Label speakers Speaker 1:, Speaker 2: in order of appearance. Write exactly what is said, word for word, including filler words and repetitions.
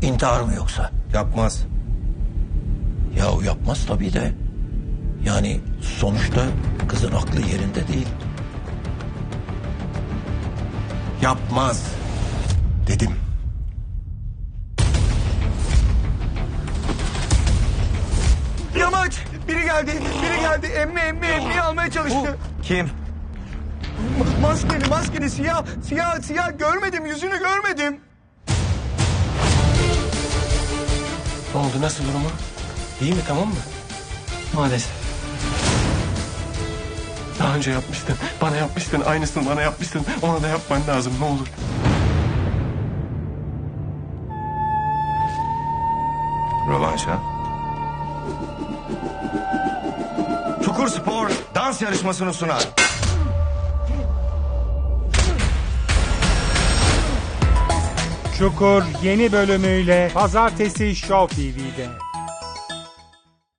Speaker 1: İntihar mı yoksa?
Speaker 2: Yapmaz.
Speaker 1: Yahu yapmaz tabii de. Yani sonuçta kızın aklı yerinde değil.
Speaker 2: Yapmaz. Dedim.
Speaker 3: Yamaç! Biri geldi, biri geldi. Emmi, emmi, emmi almaya çalıştı.
Speaker 2: Kim?
Speaker 3: Ma- Maskeli, maskeli, siyah, siyah, siyah. Görmedim, yüzünü görmedim.
Speaker 4: Ne oldu, nasıl durumu? İyi mi, tamam mı?
Speaker 5: Maalesef.
Speaker 4: Daha önce yapmıştın. Bana yapmıştın. Aynısını bana yapmıştın. Ona da yapman lazım, ne olur.
Speaker 2: Rövanş ha? Çukur Spor dans yarışmasını sunar.
Speaker 6: Çukur yeni bölümüyle Pazartesi Show T V'de.